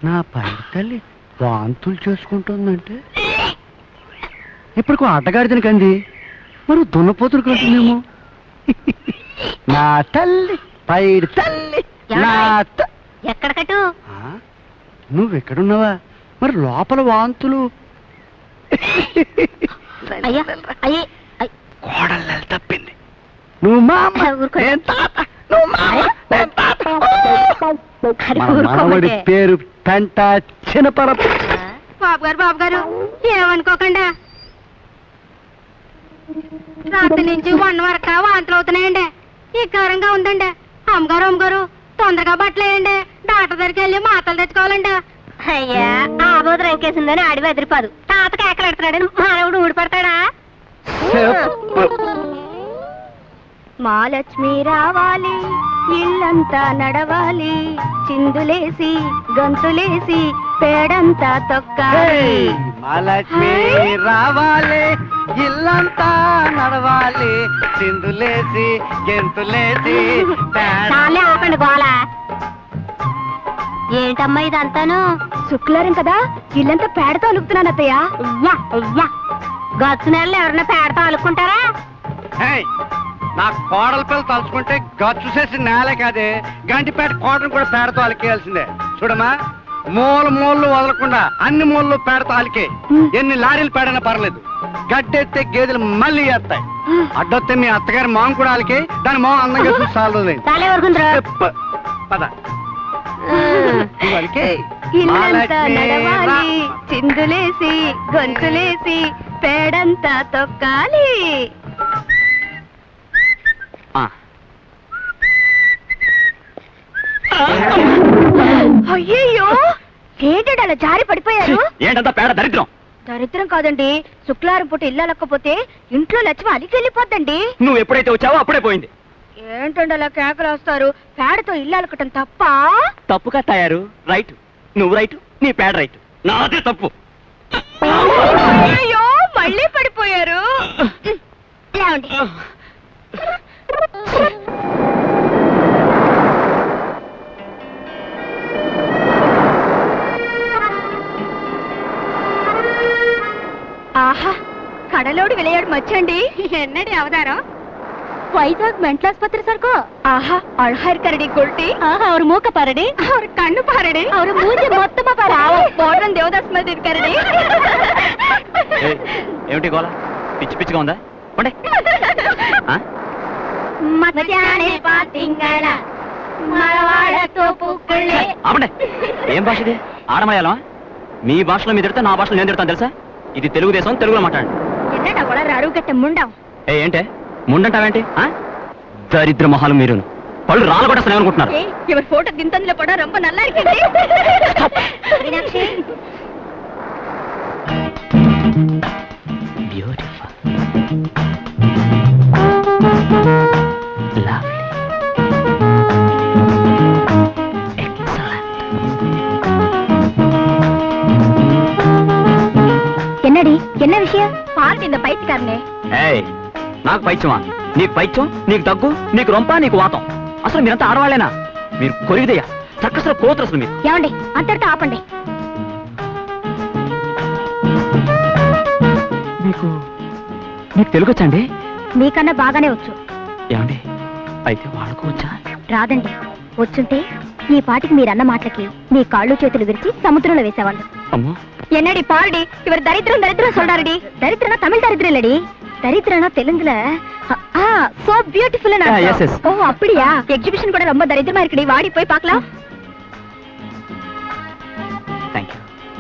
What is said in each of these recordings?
నా పైన తల్లి వాంతులు చేసుకుంటుందంటే ఇప్పుడు ఆటగాడిదని కంది మరి దున్నపోతులు కంటుందేమో. నా తల్లి పైడి తల్లి ఎక్కడ కట్టు? నువ్వెక్కడున్నావా? మరి లోపల వాంతులు. కోడలు తప్పింది. నువ్వు మామడి పేరు పెంట చిన్నపరపు. బాబు గారు ఏమనుకోకుండా రాత్రి నుంచి 1 వరకు వాంతులు అవుతున్నాయండి. ఈ కారంగా ఉందండి. అమ్మగారు తొందరగా బట్టలు వేయండి. డాక్టర్ దగ్గరికి వెళ్ళి మాటలు తెచ్చుకోవాలండి. అయ్యా ఆ బోధ రంకేసిందని అడివి ఎదిరిపాదు. తాతకి ఎక్కడెడుతున్నాడని మానవుడు ఊడిపడతాడా? మా లక్ష్మి రావాలి, ఇల్లంతా నడవాలి, చిందులేసి గంతులేసి పేడంతా తొక్కాలి. మా లక్ష్మి రావాలి, ఇల్లంతా నడవాలి, చిందులేసి గెంతులేసి. ఆపండి గోళ. ఏంటమ్మా ఇదంతాను? శుక్లారం కదా, ఇల్లంతా పేడతో అలుకుతున్నాను అత్తయ్య. గచ్చు నెలలో ఎవరన్నా పేడతో అలుక్కుంటారా? నా కోడల పిల్లలు తలుచుకుంటే గచ్చు చేసి నేలే కాదే, గంటిపేట కోటను కూడా పేడతో అలికేయాల్సిందే. చూడమ్మా, మూలు వదలకుండా అన్ని మూలలు పేడతో అలికే. ఎన్ని లారీలు పేడైనా పర్లేదు. గడ్డెత్తే గేదెలు మళ్ళీ వేస్తాయి. అడ్డొస్తే మీ అత్తగారి మొహం కూడా అలికే, దాని మొహం అందంగా చూసి సాలదు. పద చిందులేసి గొంతులేసి పేడంతా తొక్కాలి. అయ్యయ్యో, ఏంటంటే అలా జారి పడిపోయారు? ఏంటంతా పేడ దరిద్రం. దరిద్రం కాదండి, శుక్లారం పూట ఇల్లు అలక్కపోతే ఇంట్లో లక్ష్మి అలికి వెళ్ళిపోద్దండి. నువ్వు ఎప్పుడైతే వచ్చావో అప్పుడే పోయింది. ఏంటండి అలా కేకలు వస్తారు? పేడతో ఇల్లు అలకటం తప్ప? తప్పుగా తయారు. రైట్, నువ్వు రైట్, నీ పేడ రైట్, నాదే తప్పు. అయ్యో, మళ్ళీ పడిపోయారు. ఆహా, కడలోడు విளையாடு மச்சண்டி. என்னடி அவதாரம்? வைசாக் மென்டல் ஆஸ்பத்திரி சர்க்கோ. ஆஹா, அழகா இருக்காரடி கொல்ட்டி. ஆஹா, அவர் மூக்க பாருடி, அவர் கண்ணு பாருடி, அவர் மூஞ்சி மொத்தமா பாரு. బోర్డన్ దేవదాస్ మీద இருக்காரடி. ఏమిటి గోల? పిచ్చిగా ఉందా? పోండి. మధ్యానే పాతింగళ మరవాడతో పూకుళ్ళే. ఆపండి. ఏం భాష ఇది? ఆడమలయాళమా? మీ భాషలో మీరు తిడతా, నా భాషలో నేను తిడతాను తెలుసా? ఇది తెలుగుదేశం, తెలుగులో మాట్లాడండి. என்னடா வளர அருகட்ட முண்டம். ఏంటే ముండంటావేంటి? దరిద్ర మొహాలు మీరు. పళ్ళు రాళ్ళు కూడా వస్తాయి అనుకుంటున్నారు. இவர் போட்டோ திந்தந்தில படம் ரொம்ப நல்லா இருக்குடி. Meenakshi, beautiful, lovely, excellent. என்னடி என்ன விஷயம்? பாருங்க இந்த பைத்தியக்காரனே. ఏయ్, నాకు పైత్యమా? నీకు పైత్యం, నీకు దగ్గు, నీకు రొంప, నీకు వాతం. అసలు మీరంతా ఆడవాళ్ళేనా? మీరు కొరిగిదయ్యా, చక్కసలు కోతురు. అసలు మీరు ఏమండి అంతటితో ఆపండి. నీకు తెలుగు వచ్చండి? మీకన్నా బాగానే వచ్చు. ఏమండి అయితే వాళ్ళకు వచ్చా? రాదండి. వచ్చుంటే ఈ పాటికి మీరన్న మాటలకి మీ కాళ్ళు చేతులు విరిచి సముద్రంలో వేసేవాళ్ళు. అమ్మో, என்னடி பாருடி, இவர் தரித்திரம் சொல்றாருடி. தரித்திரனா தமிழ் தரித்திரம் இல்லடி, தரித்திரனா தெலுங்குல. So beautiful. ஓ அப்படியா? எக்ஸிபிஷன் கூட ரொம்ப தரித்திரமா இருக்குடி, வாடி போய் பார்க்கலாம். థాంక్యూ.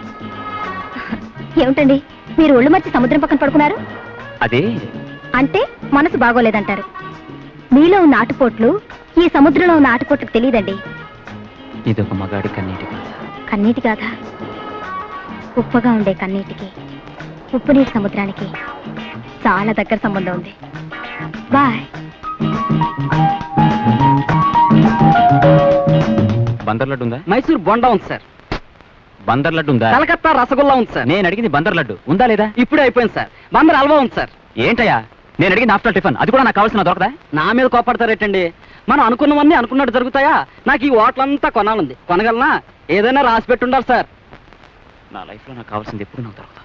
ఏమిటండి మీరు ఒళ్ళు మర్చి సముద్రం పక్కన పడుకున్నారు? అదే అంటే మనసు బాగోలేదంటారు. మీలో ఉన్న ఆటుపోట్లు ఈ సముద్రంలో ఉన్న ఆటుపోట్లకు తెలియదండి. ఇదొక మగాడి కన్నీటి గాథ. కన్నీటి గాథ. ఉప్పగా ఉండే కన్నీటికి ఉప్పు నీటి సముద్రానికి చాలా దగ్గర సంబంధం ఉంది. బాయ్. బందర్ లడ్డు ఉందా? మైసూర్ బొండా ఉంది సార్. బందర్ లడ్డు ఉందా? కలకత్తా రసగుల్లా ఉంది సార్. నేను అడిగింది బందర్ లడ్డు ఉందా లేదా? ఇప్పుడే అయిపోయింది సార్. బందర్ హల్వా ఉంది సార్. ఏంటయ్యా నేను అడిగింది ఆఫ్టర్ టిఫిన్, అది కూడా నాకు కావాల్సిన దొరకదా? నా మీద కోపడతారేటండి? మనం అనుకున్నవన్నీ అనుకున్నట్టు జరుగుతాయా? నాకు ఈ హోటల్ అంతా కొనాలంది. కొనగలనా? ఏదైనా రాసి పెట్టుండాలి సార్. నా లైఫ్లో నాకు కావాల్సింది ఎప్పుడు నాకు దొరకదు.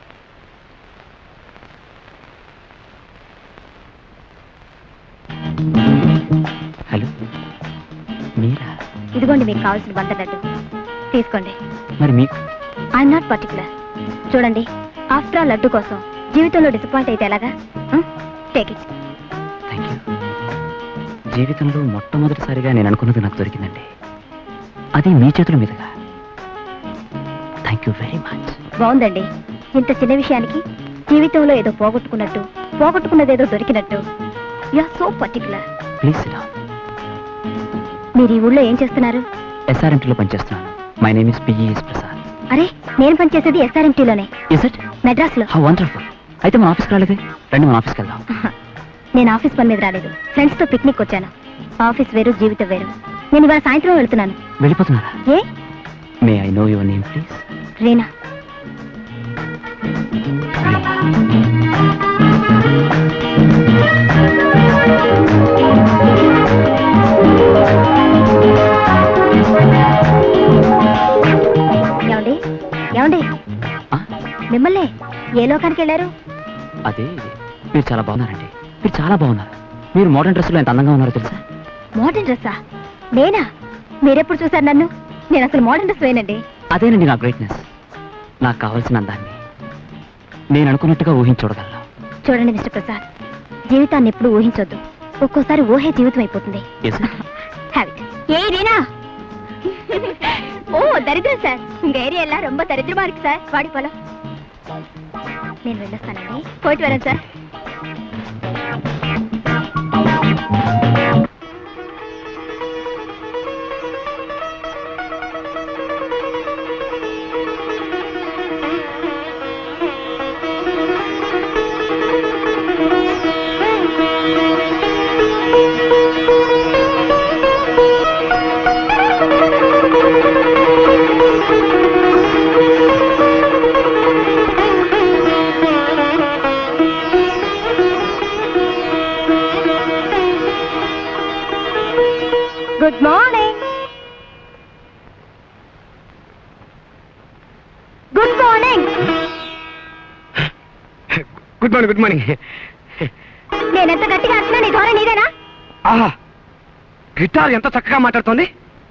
హలో, మీరా? ఇదిగోండి మీకు కావాల్సిన బంత లడ్డు తీసుకోండి. మరి మీకు? I'm not particular. చూడండి, ఆఫ్టర్ ఆల్ లడ్డు కోసం జీవితంలో డిసప్పాయింట్ అయితే ఎలాగా? Take it. Thank you. జీవితంలో మొట్టమొదటిసారిగా నేను అనుకున్నది నాకు దొరికిందండి, అది మీ చేతుల మీదుగా. Thank you very much. బాగుందండి. ఇంత చిన్న విషయానికి జీవితంలో ఏదో పోగొట్టుకున్నట్టు, పోగొట్టుకున్నదేదో దొరికినట్టు. You are so particular. Please sit down. మీరు ఈ ఊళ్ళో ఏం చేస్తున్నారు? ఎస్ఆర్ఎంటీలో పనిచేస్తున్నాను. My name is P E S Prasad. అరే, నేను పనిచేసేది SRMTలోనే, ఇస్ ఇట్? మెడ్రాస్లో. How wonderful. అయితే మన ఆఫీస్కి రాలేదే? రండి, మన ఆఫీస్కి వెళ్దాం. నేను ఆఫీస్ పని మీద రాలేదు, ఫ్రెండ్స్తో పిక్నిక్ వచ్చాను. ఆఫీస్ వేరు, జీవితం వేరు. నేను ఇవాళ సాయంత్రం వెళ్తున్నాను. వెళ్ళిపోతున్నారా? ఏ? May I know your name please? Reena. ఏమండి ఏమండి, మిమ్మల్ని ఏ లోకానికి వెళ్ళారు? అదే, మీరు చాలా బాగున్నారండి. మీరు చాలా బాగున్నారు. మీరు మోడర్న్ డ్రెస్సులో ఎంత అందంగా ఉన్నారో తెలుసా? మోడర్న్ డ్రెస్సా? నేనా? మీరెప్పుడు చూసారు నన్ను? నేను అసలు మోడర్న్ డ్రెస్ వేనండి. అదేనండి నా గ్రేట్నెస్. నాకు కావాల్సిన అందాన్ని నేను అనుకున్నట్టుగా ఊహించూడగలను. చూడండి మిస్టర్ ప్రసాద్, జీవితాన్ని ఎప్పుడు ఊహించొద్దు. ఒక్కోసారి ఊహే జీవితం అయిపోతుంది. Have it. ఏ రీనా? ఓ దరిద్రం సార్, உங்க ஏரியா எல்லாம் ரொம்ப దరిద్రமா இருக்கு సార్. వాడి పొలం. నేను వెళ్ళొస్తానండి. పోయిட்டு வரேன் sir. Good morning. Good morning. Good morning. Good morning. నేను ఎంత గట్టిగా వచ్చినా నీ ధోరణి నీదేనా? ఆహా, గిటార్ ఎంత చక్కగా మాట్లాడుతోంది.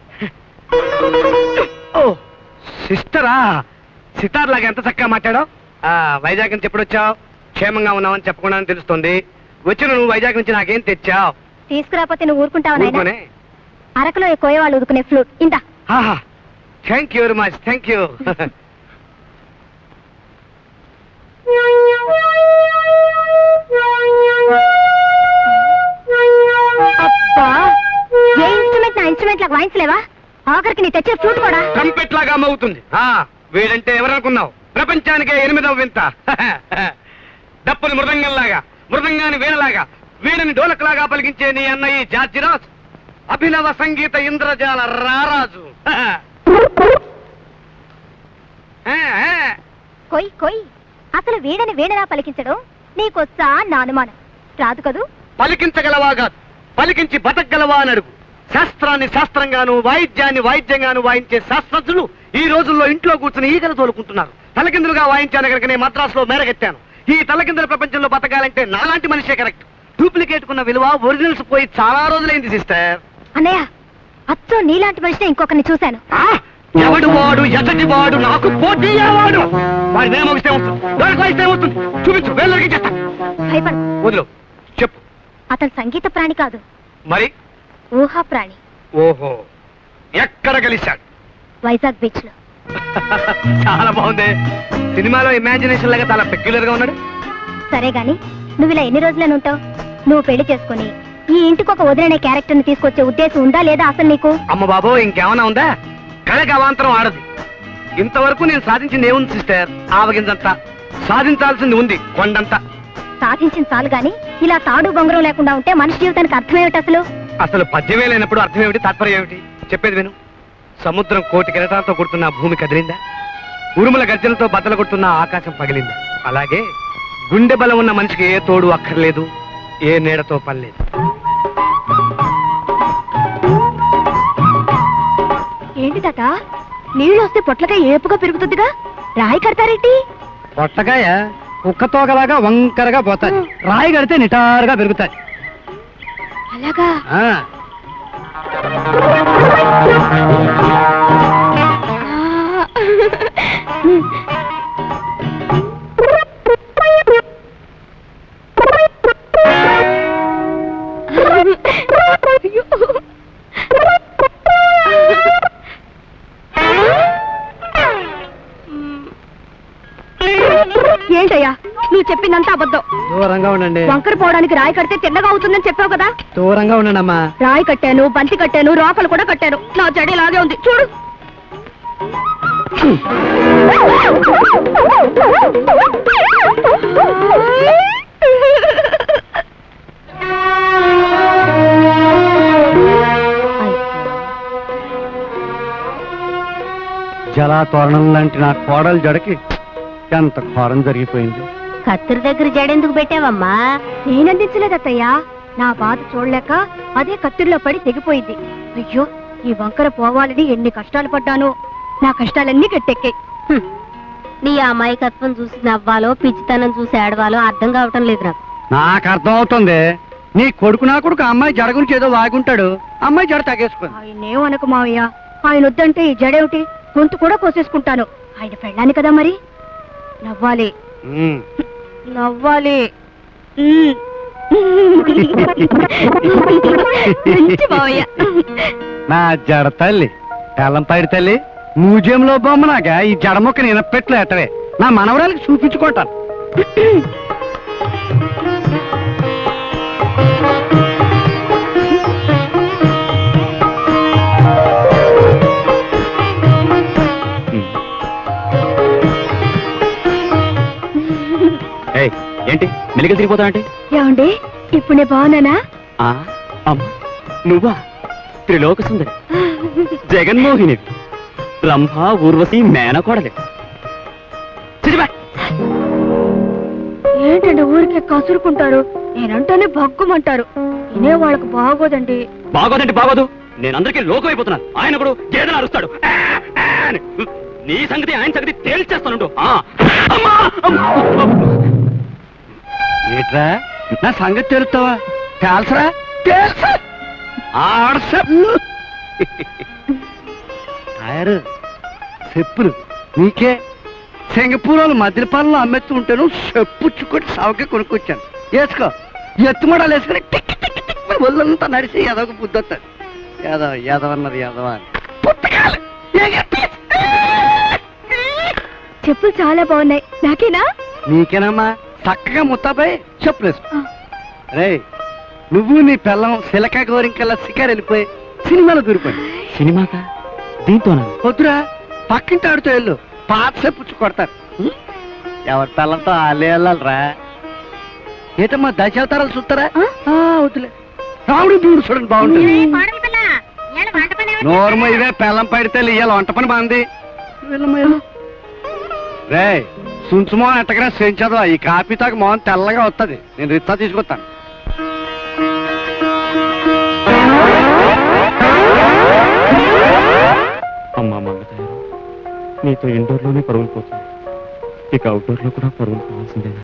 ఓ సిస్టరా, సితార్ లాగా ఎంత చక్కగా మాట్లాడావు. వైజాగ్ నుంచి ఎప్పుడు వచ్చావు? క్షేమంగా ఉన్నావని చెప్పకుండా తెలుస్తుంది. వచ్చిన నువ్వు వైజాగ్ నుంచి నాకేం తెచ్చావు? తీసుకురాపోతే నువ్వు ఊరుకుంటావు నాయనా? ఊరుకోనే. అరకులో కోయవాళ్ళు ఉదుకునే ఫ్లూట్ ఇందా. Thank you very much. Thank you. అబ్బా, ఏ ఇన్స్ట్రుమెంట్ నా ఇన్స్ట్రుమెంట్ లాగా వాయించలేవా? ఆఖరికి నీ తెచ్చే ఫ్లూట్ కూడా ట్రంపెట్ లాగా మోగుతుంది. వీడంటే ఎవరనుకున్నావు? ప్రపంచానికే 8వ వింత. డప్పుని మృదంగంలాగా, మృదంగాని వీణలాగా, వీణని డోలకలాగా పలికించే నీ అన్నయ్య జార్జిరాజ్, అభినవ సంగీత ఇంద్రజాల రారాజు. కొయ్ కొయ్. అసలు వీణని వీణలా పలికించడం నీకొచ్చా నా అనుమానం. రాదు కదూ? పలికించగలవా కాదు, పలికించి బతకగలవా అని అడుగు. శాస్త్రాన్ని శాస్త్రంగాను, వాయిద్యాన్ని వాయిద్యంగాను వాయించే శాస్త్రజ్ఞులు ఈ రోజుల్లో ఇంట్లో కూర్చుని ఈగలు తోలుకుంటున్నారు. తలకిందులుగా వాయించాను కనుక నేను మద్రాసులో మేరగెత్తాను. ఈ తలకిందుల ప్రపంచంలో బతకాలంటే నాలాంటి మనిషే కరెక్ట్. డూప్లికేట్ కున్న విలువ ఒరిజినల్స్ పోయి చాలా రోజులైంది సిస్టర్. అన్నయ్య, అచ్చో నీలాంటి మనిషిని ఇంకొకరిని చూశాను. ఎవడు వాడు, ఎసటి వాడు, నాకు పోటీ వాడు. వాడి నేను మోగిస్తే వస్తుంది, వాడికి వాయిస్తే వస్తుంది. చూపించు, వేళ్ళకి చేస్తా. భయపడు. వదిలు, చెప్పు. అతను సంగీత ప్రాణి కాదు, మరి ఊహా ప్రాణి. ఓహో, ఎక్కడ కలిశాడు? వైజాగ్ బీచ్ లో. చాలా బాగుంది. సినిమాలో ఇమాజినేషన్ లాగా చాలా పెక్యులర్ గా ఉన్నాడు. సరే గాని నువ్వు ఇలా ఎన్ని రోజులని ఉంటావు? నువ్వు పెళ్లి చేసుకుని ఈ ఇంటికి ఒక వదిలనే క్యారెక్టర్ ని తీసుకొచ్చే ఉద్దేశం ఉందా లేదా అసలు నీకు? అమ్మ బాబో, ఇంకేమైనా ఉందా? కళకి అవాంతరం ఆడదు. ఇంతవరకు నేను సాధించింది ఏముంది సిస్టర్? ఆవగిందంతా. సాధించాల్సింది ఉంది కొండంతా. సాధించిన చాలు గాని ఇలా తాడు బొంగరం లేకుండా ఉంటే మనిషి జీవితానికి అర్థం ఏమిటి అసలు? అసలు పద్యమే లేనప్పుడు అర్థం ఏమిటి, తాత్పర్యం ఏమిటి? చెప్పేది విను. సముద్రం కోటి కిరటాలతో కొడుతున్న భూమి కదిలిందా? ఉరుముల గర్జనతో బద్దలు కొడుతున్న ఆకాశం పగిలిందా? అలాగే గుండె బలం ఉన్న మనిషికి ఏ తోడు అక్కర్లేదు, ఏ నీడతో పని లేదు. ఏంటి తాత నీళ్ళు వస్తే పొట్లకాయ ఏపుగా పెరుగుతుందిగా రాయి కడతారేంటి పొట్టకాయ కుక్క తోకలాగా వంకరగా పోతాయి, రాయి కడితే నిటారుగా పెరుగుతాయి. అలాగా ఆ, ఏంటయ్యా నువ్వు చెప్పిందంతా అబద్ధం. దూరంగా ఉండండి, వంకర పోవడానికి రాయి కడితే తిన్నగా అవుతుందని చెప్పావు కదా. దూరంగా ఉండండి అమ్మా. రాయి కట్టాను, బంతి కట్టాను, రోకలు కూడా కట్టాను. నా చెడి ఇలాగే ఉంది చూడు. జలాతోరణం లాంటి నా కోడలు జడకి ఎంత ఘోరం జరిగిపోయింది. కత్తిరి దగ్గర జడెందుకు పెట్టావమ్మా? నేనందించలేదు అత్తయ్యా. నా బాధ చూడలేక అదే కత్తిరిలో పడి తెగిపోయింది. అయ్యో ఈ వంకర పోవాలని ఎన్ని కష్టాలు పడ్డాను. నా కష్టాలన్నీ గట్టెక్కాయి. నీ అమాయకత్వం చూసి నవ్వాలో పిచ్చితనం చూసి ఏడవాలో అర్థం కావటం లేదు నాకు. నాకు అర్థం అవుతుంది. నీ కొడుకు నా కొడుకు అమ్మాయి జడ గురించి ఏదో వాగుంటాడు, అమ్మాయి జడ తగేసుకుంది. ఆయనేమనకు మావయ్య, ఆయన వద్దంటే ఈ జడేమిటి గొంతు కూడా కోసేసుకుంటాను. ఆయన పెళ్ళాను కదా మరి. నవ్వాలి ఉమ్. నవ్వాలి. మంచి మావయ్య. నా జడ తల్లి తెల్లంపైడి తల్లి, మ్యూజియంలో బొమ్మనాగా ఈ జడ మొక్క నేను పెట్లు ఎట్టవే నా మనవరాలకి చూపించుకుంటాను. ఏంటి మెలికలు తిరిగిపోతావంటే? ఏమండి ఇప్పుడు నేను బాగున్నానా? అమ్మా నువ్వా? త్రిలోక సుందరి, జగన్మోహిని, రంభ, ఊర్వశి, మేనకోడలి. ఏంటండి ఊరికే కసురుకుంటారు? నేనంటేనే భగ్గుమంటారు. వినే వాళ్ళకు బాగోదండి. బాగోదంటే బాగోదు. నేను అందరికీ లోకం అయిపోతున్నాను. ఆయన కూడా గేదెలు అరుస్తాడు. ఆ, ఆ అని. నీ సంగతి ఆయన సంగతి తేల్చేస్తాను. ఏట్రా నా సంగతి తెలుస్తావా? తెలుసరా? తెలుసా? టైరు చెప్పులు నీకే సింగపూర్ వాళ్ళు మద్యపాలలో అమ్మెత్తు ఉంటాను. చెప్పుచ్చుకొని సవకే కొనుక్కొచ్చాను. వేసుకో, ఎత్తుమడాలు వేసుకొని టిక్ టిక్ టిక్ అని ఒళ్ళంతా నడిచి ఎదవకు బుద్ధి వస్తాడు. యాదవ యాదవన్నది యాదవ అని పుట్టకాలు చెప్పులు చాలా బాగున్నాయి. నాకేనా? నీకేనమ్మా. చక్కగా ముత్తాపై చెప్పులు వేసుకో. రే నువ్వు నీ పిల్లం సిలక గోరింకల్లా శిఖర్ వెళ్ళిపోయి సినిమాలో దూరిపోయి. సినిమాకా? దీంతోనా? వద్దురా, పక్కింటి ఆడుతూ వెళ్ళు, పాత చెప్పుచ్చు కొడతారు. ఎవరి పిల్లంతో వాళ్ళే వెళ్ళాలరా. ఏటమ్మా దశావతారాలు చూస్తారా? వద్దులే, రావుడు దూడు చూడండి బాగుంటుంది. నోర్మ ఇవే పిల్లం పడితే ఇవాళ వంట పని బాగుంది. రే సుంచుమో ఎట్టగా సెంచదు. ఈ కాపీ తాకు మోహన్ తెల్లగా వస్తుంది. నేను రిత్తా తీసుకొస్తాను. అమ్మా మంగతాయారు, నీతో ఇండోర్లోనే పరుగులు పోతుంది, ఇక అవుట్డోర్లో కూడా పరుగులు పోవాల్సిందే.